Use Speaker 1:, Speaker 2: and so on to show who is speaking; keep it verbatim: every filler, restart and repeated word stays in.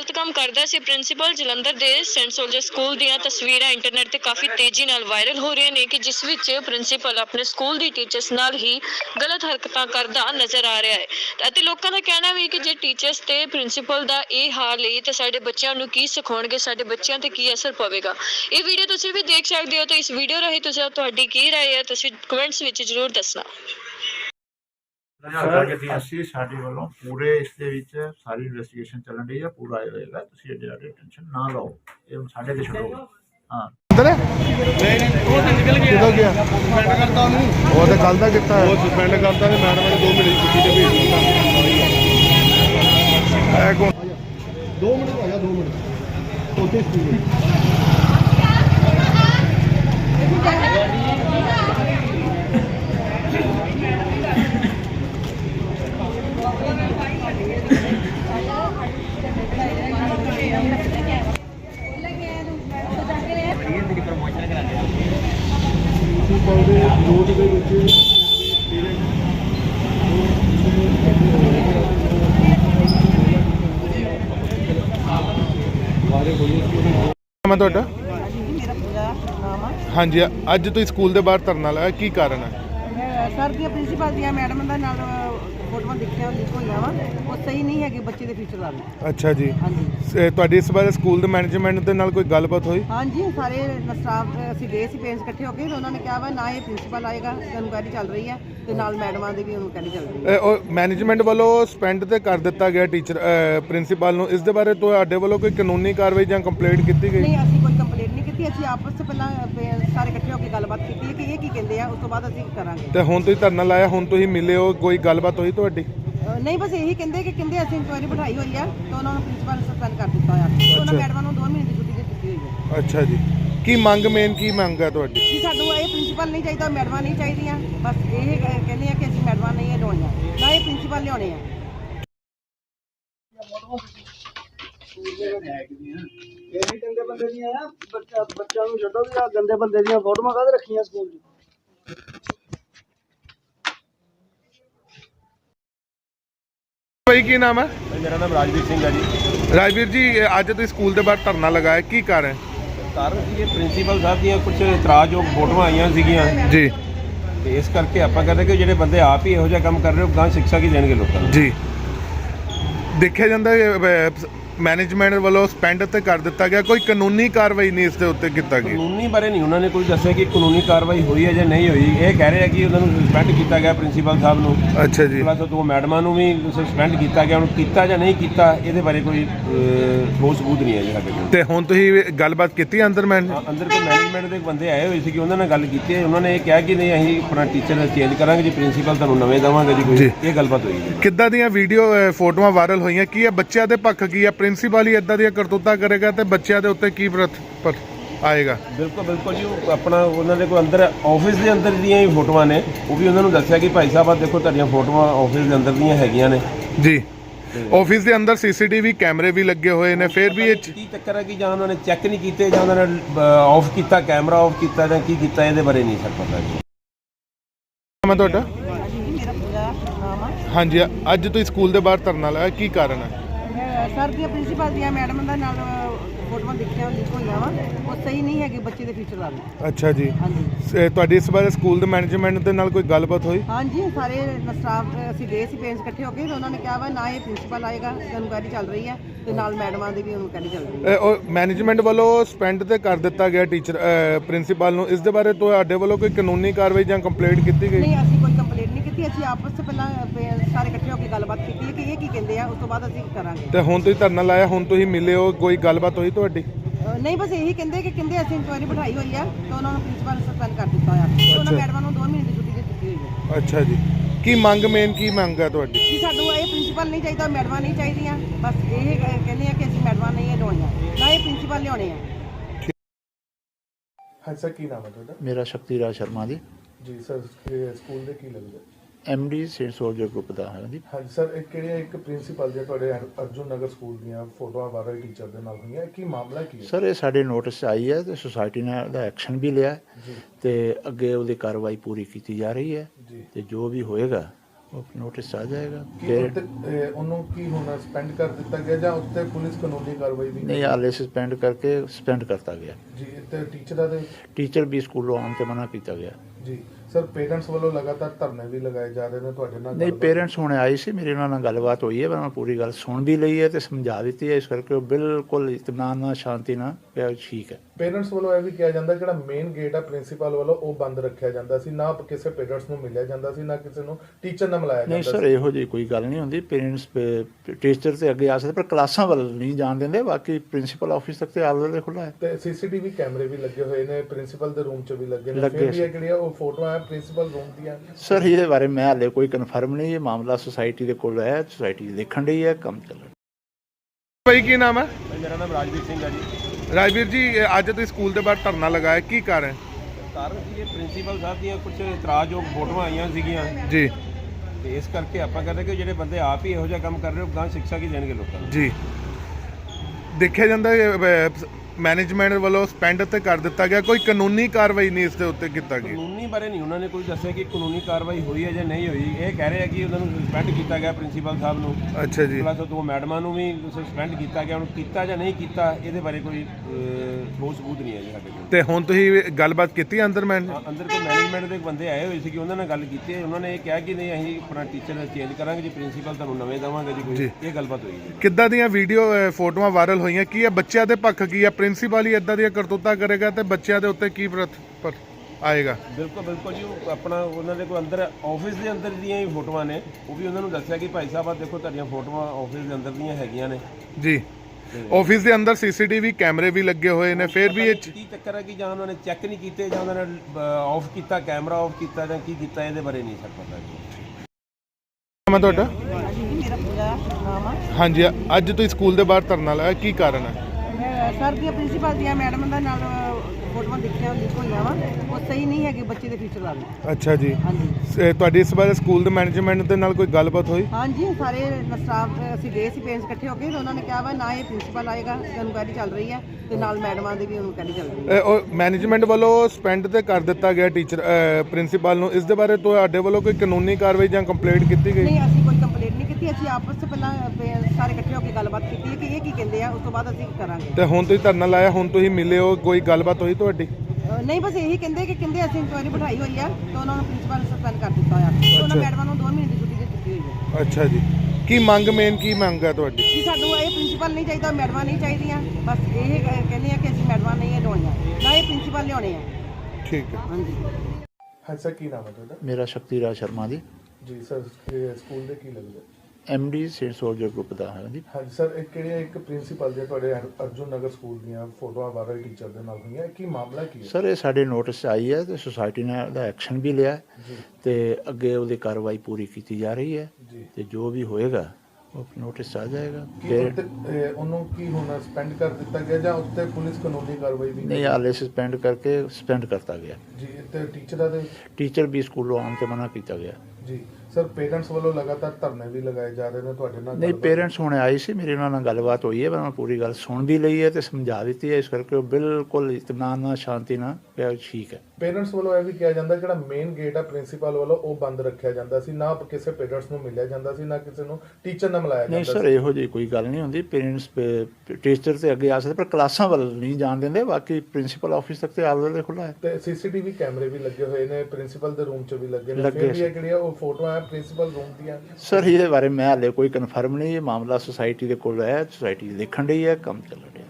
Speaker 1: गलत काम करता सी प्रिंसीपल जलंधर दे सेंट सोल्जर स्कूल दियां तस्वीरां इंटरनेट ते काफ़ी तेजी नाल वायरल हो रही ने कि जिस विच प्रिंसीपल अपने स्कूल दी टीचर्स नाल ही गलत हरकतां करदा नज़र आ रहा है ते लोकां दा कहना भी कि जे टीचर्स ते प्रिंसीपल दा इह हाल है ते साडे बच्चिआं नूं की सिखाउणगे, साडे बच्चिआं ते की असर पवेगा। इह वीडियो तुसीं भी देख सकदे हो, तो इस वीडियो राਹੀਂ तुसीं तुहाडी की राय है तुसीं कमेंट्स विच जरूर दसना।
Speaker 2: सर ਅਸੀਂ ਸਾਡੇ ਵੱਲੋਂ ਪੂਰੇ ਇਸ ਦੇ ਵਿੱਚ ਸਾਰੀ ਇਨਵੈਸਟੀਗੇਸ਼ਨ ਚੱਲਣ ਰਹੀ ਹੈ, ਪੂਰਾ ਇਹ ਹੋਏਗਾ, ਤੁਸੀਂ ਐਡੇ ਐਡੇ ਟੈਨਸ਼ਨ ਨਾ ਲਓ, ਇਹ ਸਾਡੇ ਤੇ ਛੱਡੋ। ਹਾਂ
Speaker 3: ਨਹੀਂ ਨਹੀਂ ਉਹ ਤਾਂ ਨਿਕਲ ਗਿਆ ਕਿਦੋਂ ਗਿਆ ਸਸਪੈਂਡ ਕਰਤਾ ਉਹਨੂੰ ਉਹ ਤਾਂ ਕੱਲ ਦਾ ਕੀਤਾ ਉਹ ਸਸਪੈਂਡ ਕਰਤਾ ਤੇ ਮੈਡਮ ਨੇ ਦੋ ਮਿੰਟ ਦੀ ਛੁੱਟੀ ਤੇ ਭੇਜ ਦਿੱਤਾ। ਇਹ ਕੌਣ ਦੋ ਮਿੰਟ ਆ ਗਿਆ ਦੋ ਮਿੰਟ ਉੱਥੇ ਸਕੂਲ ਮੈਂ ਤੁਹਾਡਾ ਹਾਂਜੀ ਅੱਜ ਤੁਸੀਂ ਸਕੂਲ ਦੇ ਬਾਹਰ ਧਰਨਾ ਲਾਇਆ, ਕੀ ਕਾਰਨ ਹੈ?
Speaker 4: ਸਰ ਦੀਆਂ ਪ੍ਰਿੰਸੀਪਲ ਦੀਆਂ ਮੈਡਮ ਦਾ ਨਾਲ ਫੋਟੋਆਂ ਦੇਖਿਆ ਲਿਖ ਹੋਈਆਂ ਵਾ, ਉਹ ਸਹੀ ਨਹੀਂ ਹੈਗੇ ਬੱਚੇ ਦੇ ਫਿਊਚਰ ਦਾ।
Speaker 3: ਅੱਛਾ ਜੀ,
Speaker 4: ਹਾਂਜੀ
Speaker 3: ਤੁਹਾਡੀ ਇਸ ਬਾਰੇ ਸਕੂਲ ਦੇ ਮੈਨੇਜਮੈਂਟ ਦੇ ਨਾਲ ਕੋਈ ਗੱਲਬਾਤ ਹੋਈ?
Speaker 4: ਹਾਂਜੀ ਸਾਰੇ ਸਟਾਫ ਅਸੀਂ ਗਏ ਸੀ, ਪੇਰੈਂਟਸ ਇਕੱਠੇ ਹੋ ਕੇ, ਉਹਨਾਂ ਨੇ ਕਿਹਾ ਵਾ ਨਾ ਇਹ ਪ੍ਰਿੰਸੀਪਲ ਆਏਗਾ, ਇਨਕੁਆਇਰੀ ਚੱਲ ਰਹੀ ਹੈ ਤੇ ਨਾਲ ਮੈਡਮਾਂ ਦੀ ਵੀ ਇਨਕੁਆਇਰੀ ਚੱਲ ਰਹੀ ਹੈ।
Speaker 3: ਉਹ ਮੈਨੇਜਮੈਂਟ ਵੱਲੋਂ ਸਸਪੈਂਡ ਤੇ ਕਰ ਦਿੱਤਾ ਗਿਆ ਟੀਚਰ ਪ੍ਰਿੰਸੀਪਲ ਨੂੰ, ਇਸ ਦੇ ਬਾਰੇ ਤੁਹਾਡੇ ਵੱਲੋਂ ਕੋਈ ਕਾਨੂੰਨੀ ਕਾਰਵਾਈ ਜਾਂ ਕੰਪਲੇਂਟ ਕੀਤੀ ਗਈ?
Speaker 4: ਨਹੀਂ, ਅਸੀਂ ਕੋਈ ਕੰਪਲੇਂਟ ਨਹੀਂ ਕੀਤੀ, ਅਸੀਂ ਆਪਸ ਵਿੱਚ ਪਹਿਲਾਂ ਸਾਰੇ ਇਕੱਠੇ ਹੋ ਕੇ ਗੱਲਬਾਤ ਕੀਤੀ ਹੈ ਕਿ ਇਹ ਕੀ ਕਹਿੰਦੇ ਆ, ਉਸ ਤੋਂ ਬਾਅਦ ਅਸੀਂ ਕਰਾਂਗੇ।
Speaker 3: ਤੇ ਹੁਣ ਤੁਸੀਂ ਧਰਨਾ ਲਾਇਆ, ਹੁਣ ਤੁਸੀਂ ਮਿਲੇ ਹੋ, ਕੋਈ ਗੱਲਬਾਤ ਹੋਈ ਤੁਹਾਡੀ?
Speaker 4: ਨਹੀਂ, ਬਸ ਇਹੀ ਕਹਿੰਦੇ ਕਿ ਕਹਿੰਦੇ ਅਸੀਂ ਇਨਕੁਆਇਰੀ ਬਿਠਾਈ ਹੋਈ ਆ ਤੇ ਉਹਨਾਂ ਨੂੰ ਪ੍ਰਿੰਸੀਪਲ ਸਸਪੈਂਡ ਕਰ ਦਿੱਤਾ ਹੋਇਆ ਤੇ ਉਹਨਾਂ ਮੈਡਮਾਂ ਨੂੰ ਦੋ ਮਹੀਨੇ ਦੀ ਛੁੱਟੀ ਦੇ ਦਿੱਤੀ ਹੋਈ ਹੈ।
Speaker 3: ਅੱਛਾ ਜੀ, ਕੀ ਮੰਗ ਮੇਨ ਕੀ ਮੰਗ ਹੈ ਤੁਹਾਡੀ?
Speaker 4: ਜੀ ਸਾਨੂੰ ਇਹ ਪ੍ਰਿੰਸੀਪਲ ਨਹੀਂ ਚਾਹੀਦਾ, ਮੈਡਮਾਂ ਨਹੀਂ ਚਾਹੀਦੀਆਂ, ਬਸ ਇਹ ਕਹਿੰਦੇ ਆ ਕਿ ਅਸੀਂ ਮੈਡਮਾਂ ਨਹੀਂ ਲਿਆਉਣੀਆਂ, ਨਾ ਇਹ ਪ੍ਰਿੰਸੀਪਲ ਲਿਆਉਣੇ ਆ।
Speaker 5: ਇਹ ਨਹੀਂ ਚੰਗੇ ਬੰਦੇ ਦੀਆਂ ਆ, ਬੱਚਾ ਬੱਚਿਆਂ ਨੂੰ ਛੱਡੋ ਵੀ ਆ ਗੰਦੇ ਬੰਦੇ ਦੀਆਂ ਫੋਟੋਆਂ ਕਾਹਦੇ ਰੱਖੀਆਂ ਸਕੂਲ 'ਚ?
Speaker 3: ਭਾਈ ਕੀ ਨਾਮ ਹੈ?
Speaker 6: ਮੇਰਾ ਨਾਮ ਰਾਜਵੀਰ ਸਿੰਘ ਹੈ ਜੀ।
Speaker 3: ਰਾਜਵੀਰ ਜੀ, ਅੱਜ ਤੁਸੀਂ ਸਕੂਲ ਦੇ ਬਾਹਰ ਧਰਨਾ ਲਗਾਇਆ, ਕੀ ਕਾਰਨ?
Speaker 6: ਕਾਰਨ ਸੀ ਇਹ ਪ੍ਰਿੰਸੀਪਲ ਸਾਹਿਬ ਦੀਆਂ ਕੁਝ ਇਤਰਾਜ਼ਯੋਗ ਫੋਟੋਆਂ ਆਈਆਂ ਸੀਗੀਆਂ
Speaker 3: ਜੀ,
Speaker 6: ਤੇ ਇਸ ਕਰਕੇ ਆਪਾਂ ਕਹਿੰਦੇ ਕਿ ਜਿਹੜੇ ਬੰਦੇ ਆਪ ਹੀ ਇਹੋ ਜਿਹਾ ਕੰਮ ਕਰ ਰਹੇ ਹੋ ਗਾਂ ਸਿੱਖਿਆ ਕੀ ਦੇਣਗੇ ਲੋਕਾਂ ਨੂੰ।
Speaker 3: ਜੀ, ਦੇਖਿਆ ਜਾਂਦਾ ਮੈਨੇਜਮੈਂਟ ਵੱਲੋਂ ਸਸਪੈਂਡ ਤੇ ਕਰ ਦਿੱਤਾ ਗਿਆ, ਕੋਈ ਕਾਨੂੰਨੀ ਕਾਰਵਾਈ ਨਹੀਂ ਇਸ ਦੇ ਉੱਤੇ ਕੀਤਾ ਗਿਆ?
Speaker 6: ਕਾਨੂੰਨੀ ਬਾਰੇ ਨਹੀਂ ਉਹਨਾਂ ਨੇ ਕੋਈ ਦੱਸਿਆ ਕਿ ਕਾਨੂੰਨੀ ਕਾਰਵਾਈ ਹੋਈ ਹੈ ਜਾਂ ਨਹੀਂ ਹੋਈ। ਇਹ ਕਹਿ ਰਹੇ ਆ ਕਿ ਉਹਨਾਂ ਨੂੰ ਸਸਪੈਂਡ ਕੀਤਾ ਗਿਆ ਪ੍ਰਿੰਸੀਪਲ ਸਾਹਿਬ ਨੂੰ।
Speaker 3: ਅੱਛਾ ਜੀ,
Speaker 6: ਪਲੱਸ ਦੋ ਮੈਡਮਾਂ ਨੂੰ ਵੀ ਸਸਪੈਂਡ ਕੀਤਾ ਗਿਆ, ਹੁਣ ਕੀਤਾ ਜਾਂ ਨਹੀਂ ਕੀਤਾ ਇਹਦੇ ਬਾਰੇ ਕੋਈ ਠੋਸ ਸਬੂਤ ਨਹੀਂ ਹੈ ਜੀ ਸਾਡੇ ਕੋਲ।
Speaker 3: ਤੇ ਹੁਣ ਤੁਸੀਂ ਗੱਲਬਾਤ ਕੀਤੀ ਅੰਦਰ? ਮੈਂ
Speaker 6: ਅੰਦਰ ਕੋਈ ਮੈਨੇਜਮੈਂਟ ਦੇ ਬੰਦੇ ਆਏ ਹੋਏ ਸੀ ਕਿ ਉਹਨਾਂ ਨਾਲ ਗੱਲ ਕੀਤੀ ਹੈ, ਉਹਨਾਂ ਨੇ ਇਹ ਕਿਹਾ ਕਿ ਨਹੀਂ ਅਸੀਂ ਆਪਣਾ ਟੀਚਰ ਚੇਂਜ ਕਰਾਂਗੇ ਜੀ, ਪ੍ਰਿੰਸੀਪਲ ਤੁਹਾਨੂੰ ਨਵੇਂ ਦੇਵਾਂਗੇ ਜੀ। ਕੋਈ ਇਹ ਗੱਲਬਾਤ ਹੋਈ ਜੀ।
Speaker 3: ਕਿੱਦਾਂ ਦੀਆਂ ਵੀਡੀਓ ਫੋਟੋਆਂ ਵਾਇਰਲ ਹੋਈਆਂ, ਕੀ ਹੈ ਬੱਚਿਆਂ ਦੇ ਪੱਖ ਕੀ ਹੈ? ਪ੍ਰਿੰਸੀਪਲ ਹੀ ਇੱਦਾਂ ਕਰਤੂਤਾ ਕਰੇਗਾ ਤੇ ਬੱਚਿਆਂ ਦੇ ਉੱਤੇ ਕੀ ਪਰ ਆਏਗਾ?
Speaker 6: ਬਿਲਕੁਲ ਬਿਲਕੁਲ ਜੀ, ਉਹ ਆਪਣਾ ਉਹਨਾਂ ਦੇ ਕੋਈ ਅੰਦਰ ਆਫਿਸ ਦੇ ਅੰਦਰ ਦੀਆਂ ਹੀ ਫੋਟੋਆਂ ਨੇ, ਉਹ ਵੀ ਉਹਨਾਂ ਨੂੰ ਦੱਸਿਆ ਕਿ ਭਾਈ ਸਾਹਿਬ ਆ ਦੇਖੋ ਤੁਹਾਡੀਆਂ ਫੋਟੋਆਂ ਆਫਿਸ ਦੇ ਅੰਦਰ ਦੀਆਂ ਹੈਗੀਆਂ ਨੇ
Speaker 3: ਜੀ। ਆਫਿਸ ਦੇ ਅੰਦਰ ਸੀਸੀਟੀਵੀ ਕੈਮਰੇ ਵੀ ਲੱਗੇ ਹੋਏ ਨੇ, ਫਿਰ ਵੀ ਇਹ
Speaker 6: ਕੀ ਚੱਕਰ ਹੈ ਕਿ ਜਾਂ ਉਹਨਾਂ ਨੇ ਚੈੱਕ ਨਹੀਂ ਕੀਤੇ ਜਾਂ ਉਹਨਾਂ ਨੇ ਆਫ ਕੀਤਾ, ਕੈਮਰਾ ਆਫ ਕੀਤਾ ਜਾਂ ਕੀ ਕੀਤਾ, ਇਹਦੇ ਬਾਰੇ ਨਹੀਂ ਸਰ ਪਤਾ ਜੀ।
Speaker 3: ਮੈਂ ਤੁਹਾਡਾ
Speaker 4: ਮੇਰਾ ਪੂਜਾ ਨਾਮ ਆ।
Speaker 3: ਹਾਂਜੀ, ਅੱਜ ਤੁਸੀਂ ਸਕੂਲ ਦੇ ਬਾਹਰ ਧਰਨਾ ਲਾਇਆ, ਕੀ ਕਾਰਨ ਹੈ?
Speaker 4: ਸਰ ਦੀਆਂ ਪ੍ਰਿੰਸੀਪਲ ਦੀਆਂ ਮੈਡਮ ਦਾ ਨਾਲ ਫੋਟੋਆਂ ਦੇਖਿਆ ਲਿਖ ਹੋਈਆਂ ਵਾ, ਉਹ ਸਹੀ ਨਹੀਂ ਹੈਗੇ ਬੱਚੇ ਦੇ ਫਿਊਚਰ ਦਾ।
Speaker 3: ਅੱਛਾ ਜੀ,
Speaker 4: ਹਾਂਜੀ
Speaker 3: ਤੁਹਾਡੀ ਇਸ ਬਾਰੇ ਸਕੂਲ ਦੇ ਮੈਨੇਜਮੈਂਟ ਦੇ ਨਾਲ ਕੋਈ ਗੱਲਬਾਤ ਹੋਈ?
Speaker 4: ਹਾਂਜੀ ਸਾਰੇ ਸਟਾਫ ਅਸੀਂ ਗਏ ਸੀ, ਪੇਰੈਂਟਸ ਇਕੱਠੇ ਹੋ ਕੇ, ਉਹਨਾਂ ਨੇ ਕਿਹਾ ਵਾ ਨਾ ਇਹ ਪ੍ਰਿੰਸੀਪਲ ਆਏਗਾ, ਇਨਕੁਆਇਰੀ ਚੱਲ ਰਹੀ ਹੈ ਤੇ ਨਾਲ ਮੈਡਮਾਂ ਦੀ ਵੀ ਇਨਕੁਆਇਰੀ ਚੱਲ ਰਹੀ ਹੈ।
Speaker 3: ਉਹ ਮੈਨੇਜਮੈਂਟ ਵੱਲੋਂ ਸਸਪੈਂਡ ਤੇ ਕਰ ਦਿੱਤਾ ਗਿਆ ਟੀਚਰ ਪ੍ਰਿੰਸੀਪਲ ਨੂੰ, ਇਸ ਦੇ ਬਾਰੇ ਤੁਹਾਡੇ ਵੱਲੋਂ ਕੋਈ ਕਾਨੂੰਨੀ ਕਾਰਵਾਈ ਜਾਂ ਕੰਪਲੇਂਟ ਕੀਤੀ ਗਈ?
Speaker 4: ਨਹੀਂ, ਅਸੀਂ ਕੋਈ ਕੰਪਲੇਂਟ ਨਹੀਂ ਕੀਤੀ, ਅਸੀਂ ਆਪਸ ਵਿੱਚ ਪਹਿਲਾਂ ਸਾਰੇ ਇਕੱਠੇ ਹੋ ਕੇ ਗੱਲਬਾਤ ਕੀਤੀ ਹੈ ਕਿ ਇਹ ਕੀ ਕਹਿੰਦੇ ਆ, ਉਸ ਤੋਂ ਬਾਅਦ ਅਸੀਂ ਕਰਾਂਗੇ।
Speaker 3: ਤੇ ਹੁਣ ਤੁਸੀਂ ਧਰਨਾ ਲਾਇਆ, ਹੁਣ ਤੁਸੀਂ ਮਿਲੇ ਹੋ, ਕੋਈ ਗੱਲਬਾਤ ਹੋਈ ਤੁਹਾਡੀ?
Speaker 4: ਨਹੀਂ, ਬਸ ਇਹੀ ਕਹਿੰਦੇ ਕਿ ਕਹਿੰਦੇ ਅਸੀਂ ਇਨਕੁਆਇਰੀ ਬਿਠਾਈ ਹੋਈ ਆ ਤੇ ਉਹਨਾਂ ਨੂੰ ਪ੍ਰਿੰਸੀਪਲ ਸਸਪੈਂਡ ਕਰ ਦਿੱਤਾ ਹੋਇਆ ਤੇ ਉਹਨਾਂ ਮੈਡਮਾਂ ਨੂੰ ਦੋ ਮਹੀਨੇ ਦੀ ਛੁੱਟੀ ਦੇ ਦਿੱਤੀ ਹੋਈ ਹੈ।
Speaker 3: ਅੱਛਾ ਜੀ, ਕੀ ਮੰਗ ਮੇਨ ਕੀ ਮੰਗ ਹੈ ਤੁਹਾਡੀ?
Speaker 4: ਜੀ ਸਾਨੂੰ ਇਹ ਪ੍ਰਿੰਸੀਪਲ ਨਹੀਂ ਚਾਹੀਦਾ, ਮੈਡਮਾਂ ਨਹੀਂ ਚਾਹੀਦੀਆਂ, ਬਸ ਇਹ ਕਹਿੰਦੇ ਆ ਕਿ ਅਸੀਂ ਮੈਡਮਾਂ ਨਹੀਂ ਲਿਆਉਣੀਆਂ, ਨਾ ਇਹ ਪ੍ਰਿੰਸੀਪਲ ਲਿਆਉਣੇ ਆ।
Speaker 3: ਹਾਂ ਸਰ, ਕੀ ਨਾਮ ਹੈ ਤੁਹਾਡਾ?
Speaker 7: ਮੇਰਾ ਸ਼ਕਤੀ ਰਾਜ ਸ਼ਰਮਾ ਜੀ
Speaker 3: ਜੀ ਸਰ, ਸਕੂਲ ਦੇ ਕੀ ਲੱਗਦਾ?
Speaker 7: M D Saint soldier group ਦਾ ਹੈ ਜੀ।
Speaker 3: ਹਾਂਜੀ ਸਰ, ਇਹ ਕਿਹੜੇ ਇੱਕ ਪ੍ਰਿੰਸੀਪਲ ਦੇ ਤੁਹਾਡੇ ਅਰਜੁਨ ਨਗਰ ਸਕੂਲ ਦੀਆਂ ਫੋਟੋਆਂ ਵਾਇਰਲ ਟੀਚਰ ਦੇ ਨਾਲ ਹੋਈਆਂ, ਕੀ ਮਾਮਲਾ ਕੀ ਹੈ?
Speaker 7: ਸਰ ਇਹ ਸਾਡੇ ਨੋਟਿਸ 'ਚ ਆਈ ਹੈ ਤੇ ਸੁਸਾਇਟੀ ਨੇ ਉਹਦਾ ਐਕਸ਼ਨ ਵੀ ਲਿਆ ਤੇ ਅੱਗੇ ਉਹਦੀ ਕਾਰਵਾਈ ਪੂਰੀ ਕੀਤੀ ਜਾ ਰਹੀ ਹੈ ਤੇ ਜੋ ਵੀ ਹੋਏਗਾ ਉਹ ਨੋਟਿਸ ਆ ਜਾਏਗਾ
Speaker 3: ਕੀ
Speaker 7: ਫਿਰ
Speaker 3: ਉੱਤੇ ਅਹ, ਉਹਨੂੰ ਕੀ ਹੋਣਾ ਸਪੈਂਡ ਕਰ ਦਿੱਤਾ ਗਿਆ ਜਾਂ ਉੱਤੇ ਪੁਲਿਸ ਕਾਨੂੰਨੀ ਕਾਰਵਾਈ ਵੀ
Speaker 7: ਨਹੀਂ ਹਾਲੇ ਸਸਪੈਂਡ ਕਰਕੇ ਸਸਪੈਂਡ ਕਰਤਾ ਗਿਆ
Speaker 3: ਜੀ ਤੇ ਟੀਚਰਾਂ ਦੇ
Speaker 7: ਟੀਚਰ ਵੀ ਸਕੂਲੋਂ ਆਉਣ ਤੇ ਮਨਾ ਕੀਤਾ ਗਿਆ
Speaker 3: ਜੀ ਸਰ ਪੇਰੈਂਟਸ ਵੱਲੋਂ ਲਗਾਤਾਰ ਧਰਨੇ ਵੀ ਲਗਾਏ ਜਾ ਰਹੇ ਨੇ ਤੁਹਾਡੇ ਨਾਲ
Speaker 7: ਨਹੀਂ
Speaker 3: ਗੱਲਬਾਤ-
Speaker 7: ਪੇਰੈਂਟਸ ਹੁਣੇ ਆਏ ਸੀ ਮੇਰੇ ਉਹਨਾਂ ਨਾਲ ਗੱਲਬਾਤ ਹੋਈ ਹੈ ਮੈਂ ਪੂਰੀ ਗੱਲ ਸੁਣ ਵੀ ਲਈ ਹੈ ਤੇ ਸਮਝਾ ਦਿੱਤੀ ਹੈ ਇਸ ਕਰਕੇ ਉਹ ਬਿਲਕੁਲ ਇਤਮਾਨ ਨਾਲ ਸ਼ਾਂਤੀ ਨਾਲ ਕਿਹਾ ਠੀਕ ਹੈ
Speaker 3: ਪੇਰੈਂਟਸ ਵੱਲੋਂ ਇਹ ਵੀ ਕਿਹਾ ਜਾਂਦਾ ਜਿਹੜਾ ਮੇਨ ਗੇਟ ਆ ਪ੍ਰਿੰਸੀਪਲ ਵੱਲੋਂ ਉਹ ਬੰਦ ਰੱਖਿਆ ਜਾਂਦਾ ਸੀ ਨਾ ਕਿਸੇ ਪੇਰੈਂਟਸ ਨੂੰ ਮਿਲਿਆ ਜਾਂਦਾ ਸੀ ਨਾ ਕਿਸੇ ਨੂੰ ਟੀਚਰ ਨਾਲ ਮਿਲਾਇਆ
Speaker 7: ਨਹੀਂ
Speaker 3: ਜਾਂਦਾ
Speaker 7: ਸਰ ਇਹੋ ਜਿਹੀ ਕੋਈ ਗੱਲ ਨਹੀਂ ਹੁੰਦੀ ਪੇਰੈਂਟਸ ਟੀਚਰ ਤੇ ਅੱਗੇ ਆ ਸਕਦੇ ਪਰ ਕਲਾਸਾਂ ਵੱਲ ਨਹੀਂ ਜਾਣ ਦਿੰਦੇ ਬਾਕੀ ਪ੍ਰਿੰਸੀਪਲ ਆਫਿਸ ਤੱਕ ਤੇ ਆਲ ਵੇਲੇ ਖੁੱਲ੍ਹਾ ਹੈ
Speaker 3: ਤੇ ਸੀਸੀਟੀਵੀ ਕੈਮਰੇ ਵੀ ਲੱਗੇ ਹੋਏ ਨੇ ਪ੍ਰਿੰਸੀਪਲ ਦੇ ਰੂਮ 'ਚ ਵੀ ਲੱਗੇ ਨੇ
Speaker 7: ਲੱਗੇ
Speaker 3: ਫਿਰ ਵੀ
Speaker 7: ਸੀ।
Speaker 3: ਇਹ ਜਿਹੜੀਆਂ ਉਹ ਫੋਟੋਆਂ ਆ ਪ੍ਰਿੰਸੀਪਲ ਰੂਮ ਦੀਆਂ
Speaker 7: ਸਰ ਇਹਦੇ ਬਾਰੇ ਮੈਂ ਹਾਲੇ ਕੋਈ ਕਨਫਰਮ ਨਹੀਂ ਇਹ ਮਾਮਲਾ ਸੁਸਾਇਟੀ ਦੇ ਕੋਲ ਹੈ ਸੁਸਾਇਟੀ ਦੇਖਣ ਰਹੀ ਹੈ ਕੰਮ ਚੱਲ ਰਿਹਾ
Speaker 3: ਭਾਈ ਕੀ ਨਾਮ ਹੈ
Speaker 6: ਮੇਰਾ ਨਾਮ ਰਾਜਵੀਰ ਸਿੰਘ ਹੈ ਜੀ।
Speaker 3: ਰਾਜਵੀਰ ਜੀ ਇਹ ਅੱਜ ਤੁਸੀਂ ਸਕੂਲ ਦੇ ਬਾਹਰ ਧਰਨਾ ਲਗਾਇਆ ਕੀ ਕਾਰਨ
Speaker 6: ਕਾਰਨ ਸੀ ਇਹ ਪ੍ਰਿੰਸੀਪਲ ਸਾਹਿਬ ਦੀਆਂ ਕੁਝ ਇਤਰਾਜ਼ਯੋਗ ਫੋਟੋਆਂ ਆਈਆਂ ਸੀਗੀਆਂ
Speaker 3: ਜੀ
Speaker 6: ਤੇ ਇਸ ਕਰਕੇ ਆਪਾਂ ਕਹਿੰਦੇ ਕਿ ਜਿਹੜੇ ਬੰਦੇ ਆਪ ਹੀ ਇਹੋ ਜਿਹਾ ਕੰਮ ਕਰ ਰਹੇ ਹੋ ਗਾਂ ਸਿੱਖਿਆ ਕੀ ਦੇਣਗੇ ਲੋਕਾਂ ਨੂੰ।
Speaker 3: ਜੀ ਦੇਖਿਆ ਜਾਂਦਾ ਮੈਨੇਜਮੈਂਟ ਵੱਲੋਂ ਸਪੈਂਡ ਤੇ ਕਰ ਦਿੱਤਾ ਗਿਆ ਕੋਈ ਕਾਨੂੰਨੀ ਕਾਰਵਾਈ ਨਹੀਂ ਇਸ ਦੇ ਉੱਤੇ ਕੀਤਾ ਗਿਆ
Speaker 6: ਕਾਨੂੰਨੀ ਬਾਰੇ ਨਹੀਂ ਉਹਨਾਂ ਨੇ ਕੋਈ ਦੱਸਿਆ ਕਿ ਕਾਨੂੰਨੀ ਕਾਰਵਾਈ ਹੋਈ ਹੈ ਜਾਂ ਨਹੀਂ ਹੋਈ। ਇਹ ਕਹਿ ਰਹੇ ਆ ਕਿ ਉਹਨਾਂ ਨੂੰ ਸਸਪੈਂਡ ਕੀਤਾ ਗਿਆ ਪ੍ਰਿੰਸੀਪਲ ਸਾਹਿਬ ਨੂੰ
Speaker 3: ਅੱਛਾ ਜੀ
Speaker 6: ਪਲੱਸ ਦੋ ਮੈਡਮਾਂ ਨੂੰ ਵੀ ਸਸਪੈਂਡ ਕੀਤਾ ਗਿਆ। ਹੁਣ ਕੀਤਾ ਜਾਂ ਨਹੀਂ ਕੀਤਾ ਇਹਦੇ ਬਾਰੇ ਕੋਈ ਅਹ, ਠੋਸ ਸਬੂਤ ਨਹੀਂ ਹੈ ਜੀ ਸਾਡੇ ਕੋਲ।
Speaker 3: ਤੇ ਹੁਣ ਤੁਸੀਂ ਗੱਲਬਾਤ ਕੀਤੀ ਅੰਦਰ ਮੈਂ
Speaker 6: ਹਾਂ, ਅੰਦਰ ਕੋਈ ਮੈਨੇਜਮੈਂਟ ਦੇ ਬੰਦੇ ਆਏ ਹੋਏ ਸੀ ਕਿ ਉਹਨਾਂ ਨਾਲ ਗੱਲ ਕੀਤੀ ਹੈ। ਉਹਨਾਂ ਨੇ ਇਹ ਕਿਹਾ ਕਿ ਨਹੀਂ ਅਸੀਂ ਆਪਣਾ ਟੀਚਰ ਚੇਂਜ ਕਰਾਂਗੇ ਜੀ ਪ੍ਰਿੰਸੀਪਲ ਤੁਹਾਨੂੰ ਨਵੇਂ ਦੇਵਾਂਗੇ ਜੀ ਕੋਈ
Speaker 3: ਜੀ।
Speaker 6: ਇਹ ਗੱਲਬਾਤ ਹੋਈ ਜੀ।
Speaker 3: ਕਿੱਦਾਂ ਦੀਆਂ ਵੀਡੀਓ ਫੋਟੋਆਂ ਵਾਇਰਲ ਹੋਈਆਂ ਕੀ ਹੈ ਬੱਚਿਆਂ ਦੇ ਪੱਖ ਕੀ ਹੈ ਪ੍ਰਿੰਸੀਪਲ ਹੀ ਇਦਾਂ ਦੀਆਂ ਕਰਤੂਤਾਂ ਕਰੇਗਾ ਤੇ ਬੱਚਿਆਂ ਦੇ ਉੱਤੇ ਕੀ ਪ੍ਰਤ ਪਰ ਆਏਗਾ
Speaker 6: ਬਿਲਕੁਲ ਬਿਲਕੁਲ ਜੀ ਉਹ ਆਪਣਾ ਉਹਨਾਂ ਦੇ ਕੋਲ ਅੰਦਰ ਆਫਿਸ ਦੇ ਅੰਦਰ ਦੀਆਂ ਹੀ ਫੋਟੋਆਂ ਨੇ। ਉਹ ਵੀ ਉਹਨਾਂ ਨੂੰ ਦੱਸਿਆ ਕਿ ਭਾਈ ਸਾਹਿਬ ਆ ਦੇਖੋ ਤੁਹਾਡੀਆਂ ਫੋਟੋਆਂ ਆਫਿਸ ਦੇ ਅੰਦਰ ਦੀਆਂ ਹੈਗੀਆਂ ਨੇ।
Speaker 3: ਜੀ ਆਫਿਸ ਦੇ ਅੰਦਰ ਸੀਸੀਟੀਵੀ ਕੈਮਰੇ ਵੀ ਲੱਗੇ ਹੋਏ ਨੇ ਫਿਰ ਵੀ ਇਹ 'ਚ-
Speaker 6: ਕੀ ਚੱਕਰ ਹੈ ਕਿ ਜਾਂ ਉਹਨਾਂ ਨੇ ਚੈੱਕ ਨਹੀਂ ਕੀਤੇ ਜਾਂ ਉਹਨਾਂ ਨੇ ਆਫ ਕੀਤਾ ਕੈਮਰਾ ਆਫ ਕੀਤਾ ਜਾਂ ਕੀ ਕੀਤਾ ਇਹਦੇ ਬਾਰੇ ਨਹੀਂ ਸਰ ਪਤਾ ਜੀ।
Speaker 3: ਮੈਂ ਤੁਹਾਡਾ
Speaker 4: ਹਾਂਜੀ ਮੇਰਾ ਪੂਰਾ ਨਾਮ ਆ
Speaker 3: ਹਾਂਜੀ ਅੱਜ ਤੁਸੀਂ ਸਕੂਲ ਦੇ ਬਾਹਰ ਧਰਨਾ ਲਾਇਆ ਕੀ ਕਾਰਨ ਹੈ
Speaker 4: ਮੈਂ ਸਰ ਦੀਆਂ ਪ੍ਰਿੰਸੀਪਲ ਦੀਆਂ ਮੈਡਮ ਦਾ ਨਾਲ ਫੋਟੋਆਂ ਦੇਖੀਆਂ ਲਿਖ ਹੋਈਆਂ ਵਾ ਉਹ ਸਹੀ ਨਹੀਂ ਹੈਗੇ ਬੱਚੇ ਦੇ ਫਿਊਚਰ ਵੱਲ।
Speaker 3: ਅੱਛਾ ਜੀ
Speaker 4: ਹਾਂਜੀ
Speaker 3: ਸ- ਤੁਹਾਡੀ ਇਸ ਬਾਰੇ ਸਕੂਲ ਦੇ ਮੈਨੇਜਮੈਂਟ ਦੇ ਨਾਲ ਕੋਈ ਗੱਲਬਾਤ ਹੋਈ
Speaker 4: ਹਾਂਜੀ ਸਾਰੇ ਸਟਾਫ ਅਸੀਂ ਗਏ ਸੀ ਪੇਰੈਂਟਸ ਇਕੱਠੇ ਹੋ ਕੇ ਤੇ ਉਹਨਾਂ ਨੇ ਕਿਹਾ ਵਾ ਨਾ ਇਹ ਪ੍ਰਿੰਸੀਪਲ ਆਏਗਾ ਇਨਕੁਆਇਰੀ ਚੱਲ ਰਹੀ ਹੈ ਤੇ ਨਾਲ ਮੈਡਮਾਂ ਦੀ ਵੀ ਇਨਕੁਆਇਰੀ ਚੱਲ ਰਹੀ ਹੈ।
Speaker 3: ਇਹ ਉਹ ਮੈਨੇਜਮੈਂਟ ਵੱਲੋਂ ਸਪੈਂਡ ਤੇ ਕਰ ਦਿੱਤਾ ਗਿਆ ਟੀਚਰ ਪ੍ਰਿੰਸੀਪਲ ਨੂੰ ਇਸ ਦੇ ਬਾਰੇ ਤੁਹਾਡੇ ਵੱਲੋਂ ਕੋਈ ਕਾਨੂੰਨੀ ਕਾਰਵਾਈ ਜਾਂ ਕੰਪਲੇਂਟ ਕੀਤੀ ਗਈ
Speaker 4: ਨਹੀਂ ਅਸੀਂ ਕੋਈ ਕੰਪਲੇਂਟ ਨਹੀਂ ਕੀਤੀ ਅਸੀਂ ਆਪਸ ਵਿੱਚ ਪਹਿਲਾਂ parents ਸਾਰੇ ਇਕੱਠੇ ਹੋ ਕੇ ਗੱਲਬਾਤ ਕੀਤੀ ਹੈ ਕਿ ਇਹ ਕੀ ਕਹਿੰਦੇ ਆ ਉਸ ਤੋਂ ਬਾਅਦ ਅਸੀਂ ਕਰਾਂਗੇ।
Speaker 3: ਤੇ ਹੁਣ ਤੁਸੀਂ ਧਰਨਾ ਲਾਇਆ ਹੁਣ ਤੁਸੀਂ ਮਿਲੇ ਹੋ ਕੋਈ ਗੱਲਬਾਤ ਹੋਈ ਤੁਹਾਡੀ
Speaker 4: ਅ, ਨਹੀਂ ਬਸ ਇਹੀ ਕਹਿੰਦੇ ਕਿ ਕਹਿੰਦੇ ਅਸੀਂ ਇਨਕੁਆਇਰੀ ਬਿਠਾਈ ਹੋਈ ਆ ਤੇ ਉਹਨਾਂ ਨੂੰ ਪ੍ਰਿੰਸੀਪਲ ਨੇ ਸਸਪੈਂਡ ਕਰ ਦਿੱਤਾ ਹੋਇਆ ਤੇ ਉਹਨਾਂ
Speaker 3: ਅੱਛਾ।
Speaker 4: ਮੈਡਮਾਂ ਨੂੰ ਦੋ ਮਹੀਨੇ ਦੀ ਛੁੱਟੀ ਦੇ ਦਿੱਤੀ ਹੋਈ ਹੈ
Speaker 3: ਅੱਛਾ ਜੀ ਕੀ ਮੰਗ ਮੇਨ ਕੀ ਮੰਗ ਹੈ ਤੁਹਾਡੀ
Speaker 4: ਕਿ ਸਾਨੂੰ ਇਹ ਪ੍ਰਿੰਸੀਪਲ ਨਹੀਂ ਚਾਹੀਦਾ ਮੈਡਮਾਂ ਨਹੀਂ ਚਾਹੀਦੀਆਂ ਬਸ ਇਹ ਕ- ਕਹਿੰਦੇ ਆ ਕਿ ਅਸੀਂ ਮੈਡਮਾਂ ਨਹੀਂ ਲਿਆਉਣੀਆਂ ਨਾ ਇਹ ਪ੍ਰਿੰਸੀਪਲ ਲਿਆਉਣੇ ਆ।
Speaker 3: ਠੀਕ ਹੈ
Speaker 4: ਹਾਂਜੀ
Speaker 3: ਹਾਂ ਸਰ ਕੀ ਨਾਮ ਹੈ ਤੁਹਾਡਾ
Speaker 7: ਮੇਰਾ ਸ਼ਕਤੀ ਰਾਜ ਸ਼ਰਮਾ ਜੀ
Speaker 3: ਜੀ ਸਰ ਸਕੂਲ ਦੇ ਕੀ ਲੱਗਦਾ
Speaker 7: M D Saint soldier group ਦਾ ਹੈ ਜੀ
Speaker 3: ਹਾਂਜੀ ਸਰ ਇਹ ਕਿਹੜੇ ਇੱਕ ਪ੍ਰਿੰਸੀਪਲ ਦੇ ਤੁਹਾਡੇ ਅਰ- ਅਰਜੁਨ ਨਗਰ ਸਕੂਲ ਦੀਆਂ ਫੋਟੋਆਂ ਵਾਇਰਲ ਟੀਚਰ ਦੇ ਨਾਲ ਹੋਈਆਂ ਕੀ ਮਾਮਲਾ ਕੀ ਹੈ
Speaker 7: ਸਰ ਇਹ ਸਾਡੇ ਨੋਟਿਸ 'ਚ ਆਈ ਹੈ ਤੇ ਸੁਸਾਇਟੀ ਨੇ ਉਹਦਾ ਐਕਸ਼ਨ ਵੀ ਲਿਆ
Speaker 3: ਜੀ
Speaker 7: ਤੇ ਅੱਗੇ ਉਹਦੀ ਕਾਰਵਾਈ ਪੂਰੀ ਕੀਤੀ ਜਾ ਰਹੀ ਹੈ
Speaker 3: ਜੀ
Speaker 7: ਤੇ ਜੋ ਵੀ ਹੋਏਗਾ ਉਹ ਨੋਟਿਸ 'ਚ ਆ ਜਾਏਗਾ
Speaker 3: ਕੀ
Speaker 7: ਫਿਰ
Speaker 3: ਉੱਤੇ ਅਹ, ਉਹਨੂੰ ਕੀ ਹੋਣਾ ਸਪੈਂਡ ਕਰ ਦਿੱਤਾ ਗਿਆ ਜਾਂ ਉੱਤੇ ਪੁਲਿਸ ਕਾਨੂੰਨੀ ਕਾਰਵਾਈ ਵੀ
Speaker 7: ਨਹੀਂ ਹਾਲੇ ਸਸਪੈਂਡ ਕਰਕੇ ਸਸਪੈਂਡ ਕਰਤਾ ਗਿਆ
Speaker 3: ਜੀ ਤੇ ਟੀਚਰਾਂ ਦੇ
Speaker 7: ਟੀਚਰ ਵੀ ਸਕੂਲੋਂ ਆਉਣ ਤੇ ਮਨਾ ਕੀਤਾ ਗਿਆ
Speaker 3: ਜੀ ਸਰ ਪੇਰੈਂਟਸ ਵੱਲੋਂ ਲਗਾਤਾਰ ਧਰਨੇ ਵੀ ਲਗਾਏ ਜਾ ਰਹੇ ਨੇ ਤੁਹਾਡੇ ਨਾਲ
Speaker 7: ਨਹੀਂ
Speaker 3: ਗੱਲਬਾਤ-
Speaker 7: ਪੇਰੈਂਟਸ ਹੁਣੇ ਆਏ ਸੀ ਮੇਰੇ ਉਹਨਾਂ ਨਾਲ ਗੱਲਬਾਤ ਹੋਈ ਹੈ ਮੈਂ ਪੂਰੀ ਗੱਲ ਸੁਣ ਵੀ ਲਈ ਹੈ ਤੇ ਸਮਝਾ ਦਿੱਤੀ ਹੈ ਇਸ ਕਰਕੇ ਉਹ ਬਿਲਕੁਲ ਇਤਮਾਨ ਨਾਲ ਸ਼ਾਂਤੀ ਨਾਲ ਕਿਹਾ ਠੀਕ ਹੈ
Speaker 3: ਪੇਰੈਂਟਸ ਵੱਲੋਂ ਇਹ ਵੀ ਕਿਹਾ ਜਾਂਦਾ ਜਿਹੜਾ ਮੇਨ ਗੇਟ ਆ ਪ੍ਰਿੰਸੀਪਲ ਵੱਲੋਂ ਉਹ ਬੰਦ ਰੱਖਿਆ ਜਾਂਦਾ ਸੀ ਨਾ ਕਿਸੇ ਪੇਰੈਂਟਸ ਨੂੰ ਮਿਲਿਆ ਜਾਂਦਾ ਸੀ ਨਾ ਕਿਸੇ ਨੂੰ ਟੀਚਰ ਨਾਲ ਮਿਲਾਇਆ
Speaker 7: ਨਹੀਂ
Speaker 3: ਜਾਂਦਾ
Speaker 7: ਸਰ ਇਹੋ ਜਿਹੀ ਕੋਈ ਗੱਲ ਨਹੀਂ ਹੁੰਦੀ ਪੇਰੈਂਟਸ ਟੀਚਰ ਤੇ ਅੱਗੇ ਆ ਸਕਦੇ ਪਰ ਕਲਾਸਾਂ ਵੱਲ ਨਹੀਂ ਜਾਣ ਦਿੰਦੇ ਬਾਕੀ ਪ੍ਰਿੰਸੀਪਲ ਆਫਿਸ ਤੱਕ ਤੇ ਆਲ ਵੇਲੇ ਖੁੱਲ੍ਹਾ ਹੈ
Speaker 3: ਤੇ ਸੀਸੀਟੀਵੀ ਕੈਮਰੇ ਵੀ ਲੱਗੇ ਹੋਏ ਨੇ ਪ੍ਰਿੰਸੀਪਲ ਦੇ ਰੂਮ 'ਚ ਵੀ ਲੱਗੇ ਨੇ
Speaker 7: ਲੱਗੇ
Speaker 3: ਫਿਰ ਵੀ
Speaker 7: ਸੀ।
Speaker 3: ਇਹ ਜਿਹੜੀਆਂ ਉਹ ਫੋਟੋਆਂ ਆ ਪ੍ਰਿੰਸੀਪਲ ਰੂਮ ਦੀਆਂ
Speaker 7: ਸਰ ਇਹਦੇ ਬਾਰੇ ਮੈਂ ਹਾਲੇ ਕੋਈ ਕਨਫਰਮ ਨਹੀਂ ਇਹ ਮਾਮਲਾ ਸੁਸਾਇਟੀ ਦੇ ਕੋਲ ਹੈ ਸੁਸਾਇਟੀ ਦੇਖਣ ਰਹੀ ਹੈ ਕੰਮ ਚੱਲ ਰਿਹਾ